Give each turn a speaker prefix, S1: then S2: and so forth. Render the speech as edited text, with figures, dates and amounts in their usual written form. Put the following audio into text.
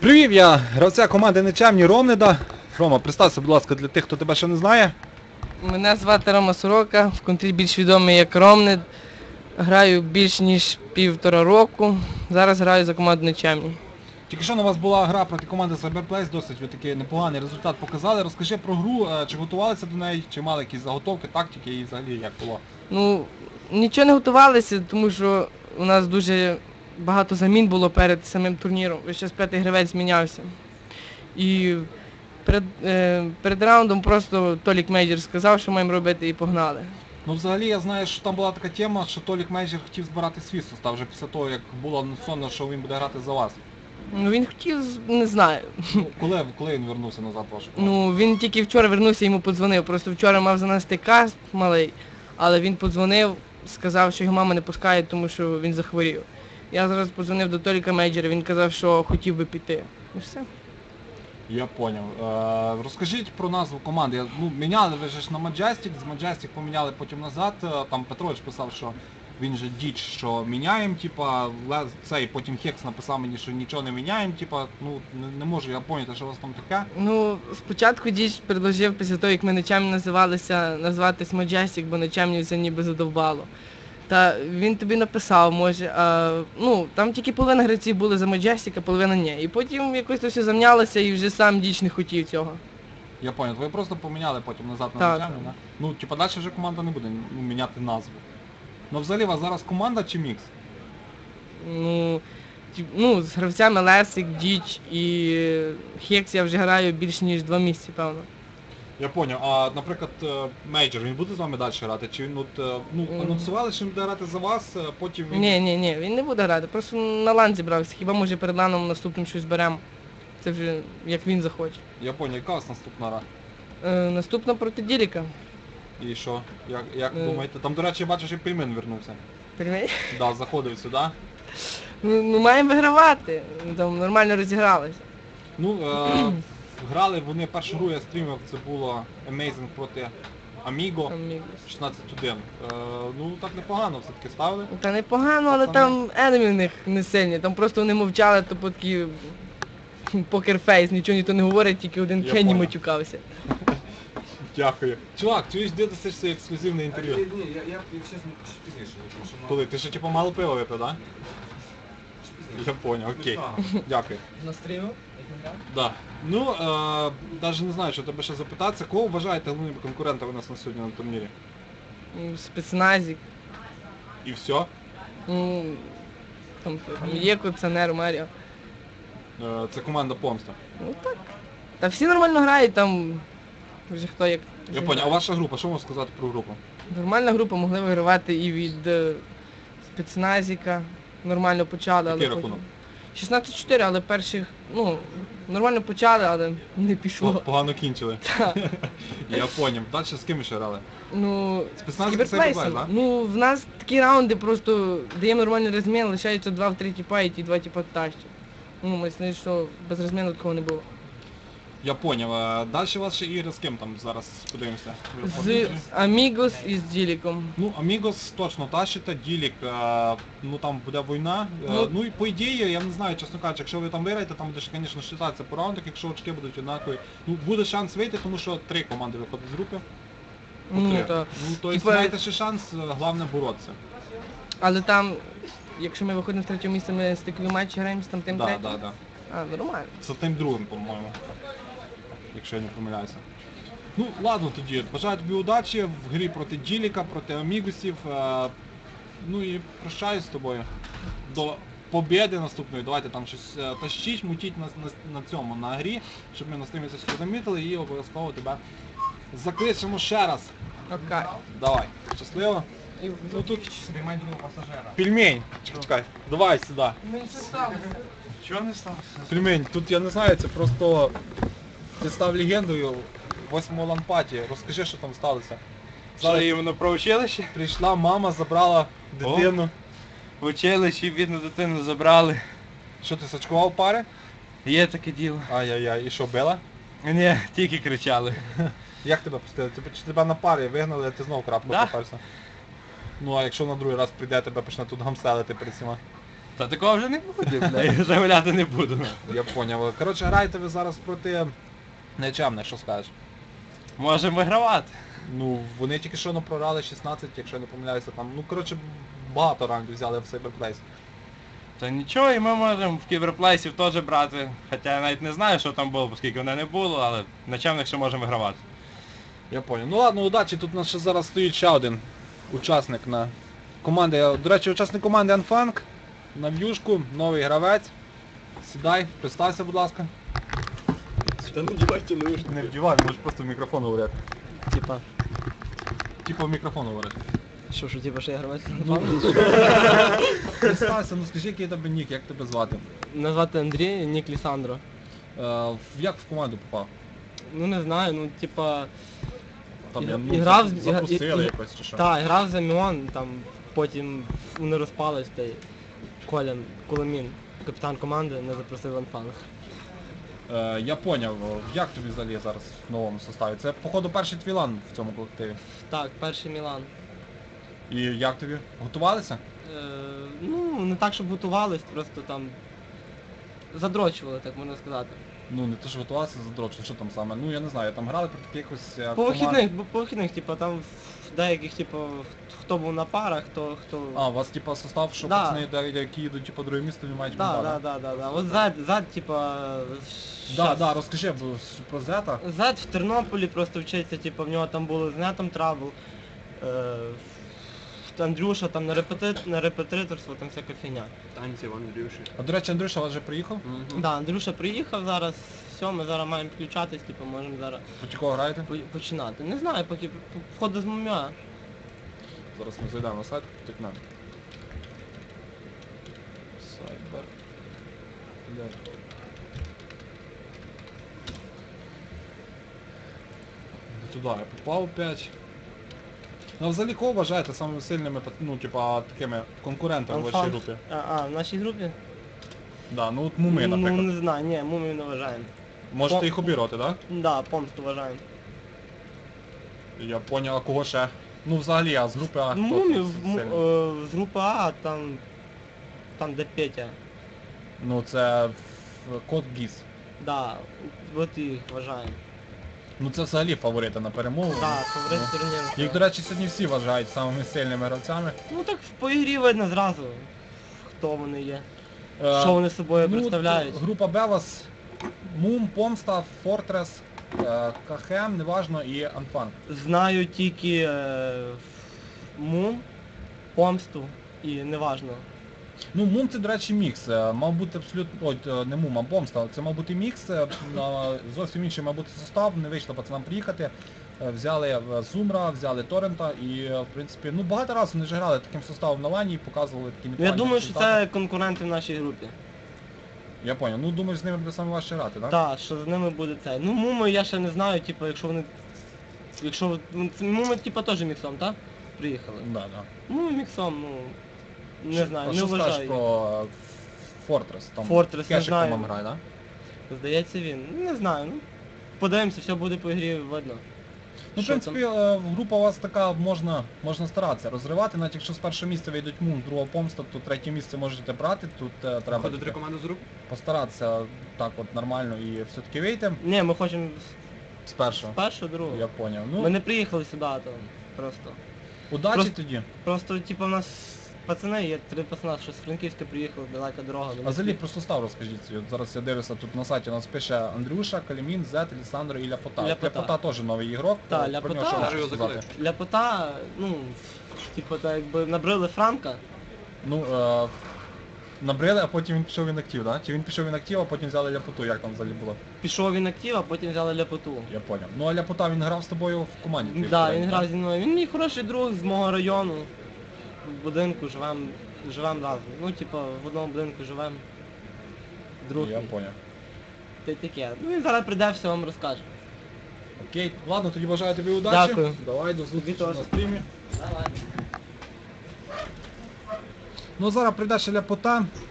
S1: Привів я гравця команди Нечемні Ромнида. Рома, представся, будь ласка, для тих, хто тебе ще не знає.
S2: Мене звати Рома Сорока, в контрі більш відомий як Ромнид. Граю більш ніж 1,5 року. Зараз граю за команду Нечемні.
S1: Тільки що у вас була гра проти команди Cyberplace, досить ви такий непоганий результат показали. Розкажи про гру, чи готувалися до неї, чи мали якісь заготовки, тактики і взагалі як було?
S2: Ну, нічого не готувалися, тому що у нас дуже багато замін було перед самим турніром. Весь час п'ятий гравець змінявся. І перед раундом просто Толік Мейджор сказав, що маємо робити, і погнали.
S1: Ну взагалі я знаю, що там була така тема, що Толік Мейджор хотів збирати свій состав вже після того, як було анонсовано, що він буде грати за вас.
S2: Ну він хотів, не знаю.
S1: Ну, коли він вернувся назад в вашу команду?
S2: Ну він тільки вчора вернувся, йому подзвонив. Просто вчора мав занести каст малий, але він подзвонив, сказав, що його мама не пускає, тому що він захворів. Я зараз подзвонив до Толіка Мейджора, він казав, що хотів би піти. І все.
S1: Я поняв. Розкажіть про назву команди. Міняли ви ж на Majestic, з Majestic поміняли потім назад. Там Петрович писав, що він же діч, що міняємо, типа, цей потім Хекс написав мені, що нічого не міняємо, типа, не можу я поняти, що у вас там таке.
S2: Ну, спочатку Діч предложив, після того, як ми Нечемні називалися, назватись Majestic, бо Нечемні це ніби задовбало. Та він тобі написав, може, там тільки половина гравців були за Majestic, а половина ні. І потім якось то все замнялося і вже сам Діч не хотів цього.
S1: Я поняв, ви просто поміняли потім назад на
S2: Так.
S1: Нечемні, да? Ну, типа, далі вже команда не буде міняти назву. Ну, взагалі, у вас зараз команда чи мікс?
S2: З гравцями Лесик, Діч і Хекс я вже граю більш ніж 2 місяці, певно.
S1: Я поняв. А, наприклад, Мейджор, він буде з вами далі грати? Чи він анонсували, що він буде грати за вас, потім він...
S2: Ні, він не буде грати, просто на лан зібрався. Хіба може перед ланом наступним щось беремо. Це вже як він захоче.
S1: Я поняв, яка у вас наступна гра?
S2: Наступна проти Діліка.
S1: І що? Як думаєте? Там, до речі, я бачу, що і Пельмен вернувся.
S2: Пельмень?
S1: Да, заходив сюди.
S2: Ну маємо вигравати. Там нормально розігралися.
S1: Грали вони першу гру, я стрімив, це було Amazing проти Amigo. 16-1. Так непогано все-таки ставили.
S2: Та непогано, але там енемі в них не сильні. Там просто вони мовчали, то такий покерфейс, нічого ніхто не говорить, тільки один
S1: Я
S2: Кенні
S1: понял.
S2: матюкався.
S1: Дякую. Чувак, чуєш, де досиш це ексклюзивне інтерв'ю?
S3: Ні, я чесно пізніше. тому що
S1: Коли? Ти ще типу мало пива випив, так? Я понял, окей. Дякую.
S2: Настрілив?
S1: Да. Навіть не знаю, що тебе ще запитатися. Кого вважаєте головними конкурентами у нас на сьогодні на турнірі?
S2: Спецназик.
S1: І все?
S2: Там є кондиціонер, Маріо.
S1: Це команда Помста.
S2: Ну так. Та всі нормально грають, там вже хто як.
S1: Я понял. А ваша група, що можна сказати про групу?
S2: Нормальна група, могли вигравати і від спецназіка. Нормально почали,
S1: Який
S2: але
S1: рахунок?
S2: 16-4, але перших, нормально почали, але не пішло.
S1: Погано кінчили.
S2: Так.
S1: Я поняв. Далі з ким ще грали?
S2: Спецназик
S1: Спецназик це Cyberplay, да?
S2: В нас такі раунди просто даємо нормальний розмін, лишається 2-3 тіпа і ті 2 тіпа тащать. Ми знаємо, що без розміну такого не було.
S1: Я поняв. Далі у вас ще ігри з ким там зараз подивимося?
S2: З Амігос і з Діліком.
S1: Амігос точно тащите, Ділік, там буде війна. І по ідеї, я не знаю, чесно кажучи, якщо ви там виграєте, там буде, звісно, считатися по раундах, якщо очки будуть однакові. Буде шанс вийти, тому що 3 команди виходять з групи. Тобто маєте ще шанс, головне боротися.
S2: Але там, якщо ми виходимо з 3-го місця, ми стикові матчі граємо з там тим третім?
S1: Да.
S2: Нормально.
S1: З тим другим, по-моєму. Якщо я не помиляюся. Ладно тоді, бажаю тобі удачі в грі проти Діліка, проти Амігусів. І прощаюсь з тобою. До побєди наступної. Давайте там щось тащіть, мутіть на грі, щоб ми на стрімі це все замітили і обов'язково тебе закличемо ще раз.
S2: Окей.
S1: Давай, щасливо.
S3: тут спіймай другого пасажира.
S1: Пельмень, чекай, давай сюди.
S3: Чого не сталося?
S1: Пельмень, тут я не знаю, це просто ти став легендою 8-го лампаті. Розкажи, що там сталося.
S3: Що, іменно про училище?
S1: Прийшла мама, забрала дитину.
S3: В училищі бідну дитину забрали.
S1: Що ти сачкував пари?
S3: Є таке діло.
S1: Ай-яй-яй, і що, била?
S3: Ні, тільки кричали.
S1: Як тебе пустили? Чи тебе на парі вигнали, а ти знову крапку
S3: Да.
S1: поперся? А якщо на другий раз прийде, тебе почне тут гамселити перед всіма?
S3: Та такого вже не буде, бля, я замовляти не буду.
S1: Я поняв. Коротше, граєте ви зараз проти нечемних, що скажеш?
S3: Можемо вигравати.
S1: Ну, вони тільки що програли 16, якщо я не помиляюся, там, ну, коротше, багато раундів взяли в Cyberplace.
S3: Та нічого, і ми можемо в кіберплейсів теж брати. Хоча я навіть не знаю, що там було, оскільки мене не було, але на чемних ще можемо вигравати.
S1: Я понял. Ну ладно, удачі, тут у нас ще зараз стоїть ще один учасник на команди. До речі, учасник команди Unfunk на в'юшку, новий гравець. Сідай, представся, будь ласка.
S4: Та не вдівайте наушники.
S1: Не вдівай, можеш просто в мікрофон говорити.
S4: Типа,
S1: Типу в мікрофон говорити.
S4: що, типа, що я гравець?
S1: Представся, ну скажи, який тебе нік, як тебе звати?
S4: Назвати Андрій, нік Лісандро.
S1: Як в команду попав?
S4: Ну не знаю, ну типа...
S1: Там,
S4: І грав з-
S1: запросили
S4: і-
S1: якось чи що?
S4: Так, грав за Міон, там потім вони розпались, та й Коля Кулемін, капітан команди, не запросив в Анфанг.
S1: Я поняв, як тобі взагалі зараз в новому составі? Це, походу, перший твій лан в цьому колективі.
S4: Так, перший Мілан.
S1: І як тобі? Готувалися?
S4: Ну, не так, щоб готувались, просто там задрочували, так можна сказати.
S1: Ну, не то, що готувалися за дрочу, що там саме? Ну, я не знаю, там грали проти якихось
S4: По вихідних, по вихідних, типа там в деяких, типу, хто був на парах, хто...
S1: А, у вас, типа, состав, що
S4: Да.
S1: пацани, які їдуть, типа, друге місто, не мають
S4: Да,
S1: медалі?
S4: да. От зад, типа...
S1: Да, розкажи про Зета.
S4: Зад в Тернополі просто вчиться, типу, в нього там було з нетом трабл. Андрюша там на репетиторство, там всяка фігня.
S5: Танці в Андрюші.
S1: А, до речі, Андрюша, у вас вже приїхав?
S4: Да, Андрюша приїхав зараз, все, ми зараз маємо включатись, типу, можемо зараз
S1: Проти кого граєте?
S4: починати. Не знаю, поки входу з ММА.
S1: Зараз ми зайдемо на сайт, потикнемо. Сайбер. Туди я попав опять. Ну, а взагалі кого вважаєте самими сильними, ну, типа, такими конкурентами в вашій
S4: Анфан.
S1: групі?
S4: В нашій групі?
S1: Да, ну от Муми,
S4: Ну,
S1: наприклад.
S4: не знаю, ні, мумію не вважаємо.
S1: Можете їх обіграти, так?
S4: Да, помсту вважаємо.
S1: Да? Я поняв, а кого ще? Ну, взагалі, а з групи А хто
S4: Мумію
S1: тут сильний?
S4: з групи А, там де Петя.
S1: Ну, це Кот Гіс.
S4: Да, от і їх вважаємо.
S1: Ну, це взагалі фаворити на перемогу.
S4: Да, фаворит турніру.
S1: Їх, до речі, сьогодні всі вважають самими сильними гравцями.
S4: Ну так по ігрі видно зразу, хто вони є.
S1: Е,
S4: Що вони собою
S1: ну,
S4: представляють.
S1: Група Б у вас Мум, Помста, Фортрес, КХМ, неважно, і Анфан.
S4: Знаю тільки Мум, Помсту і неважно.
S1: Ну, Мум це, до речі, мікс. Мав бути абсолютно... Ой, не Мум, а Помста. Це мав бути мікс. Зовсім інший мав бути состав, не вийшло пацанам приїхати. Взяли Зумра, взяли Торрента і, в принципі, ну багато разів вони вже грали таким составом на лані і показували такі
S4: Я
S1: непогані
S4: думаю, що
S1: результати.
S4: це конкуренти в нашій групі.
S1: Я понял. Ну, думаєш, з ними буде саме важче грати, так?
S4: Так, що з ними буде це. Ну Муми я ще не знаю, типу, якщо вони... Якщо... Муми, типу, теж міксом, так? Приїхали.
S1: Да, да.
S4: Ну, міксом, ну... Не знаю,
S1: А
S4: не
S1: що скажеш
S4: вважаю.
S1: про Фортрес? Там
S4: Fortress, не
S1: Кешик,
S4: знаю.
S1: по-моєму, грає, так?
S4: Здається він. Ну, не знаю, ну... Подивимося, все буде по ігрі видно.
S1: Ну, в
S4: Що
S1: принципі, група у вас така, можна старатися розривати, навіть якщо з першого місця вийдуть Мум, з другого Помста, то третє місце можете брати, тут треба
S5: Ходить
S1: тільки
S5: три команди з рук?
S1: постаратися так от нормально і все-таки вийти
S4: Ні, ми хочемо
S1: з першого.
S4: з першого, другого.
S1: Я поняв. Ну,
S4: Ми не приїхали сюди, там, просто.
S1: удачі
S4: просто-
S1: тоді.
S4: Просто, типу, у нас пацани є, 3 пацана, що з Франківська приїхали, далека дорога.
S1: А взагалі про состав розкажіть. От зараз я дивлюся, тут на сайті у нас пише Андрюша, Калімін, Зет, Лісандро і Ляпота.
S4: Ляпота.
S1: Ляпота теж новий ігрок.
S4: Та,
S1: Про
S4: Ляпота.
S1: нього що
S5: Даже
S1: можете
S5: його
S1: сказати?
S5: закличуть.
S4: Ляпота, ну, типу, так якби набрили Франка,
S1: Ну, набрили, а потім він пішов в інактив, да? Чи він пішов в інактив, а потім взяли Ляпоту, як там взагалі було?
S4: пішов він актив, а потім взяли Ляпоту.
S1: Я поняв. Ну а Ляпота він грав з тобою в команді? твоїй
S4: Да,
S1: попередній,
S4: він грав зі мною. Він мій хороший друг з мого району. В будинку живем разом. Ну, типу, в одному будинку живем. Друг.
S1: Я
S4: мій.
S1: поняв.
S4: Та й таке. Ну він зараз прийде, все вам розкаже.
S1: Окей, ладно, тоді бажаю тобі удачі.
S4: Дякую.
S1: Давай, до зустрічі
S4: Тобі
S1: на
S4: теж.
S1: стрімі.
S4: Давай.
S1: Ну зараз прийде ще Ляпота.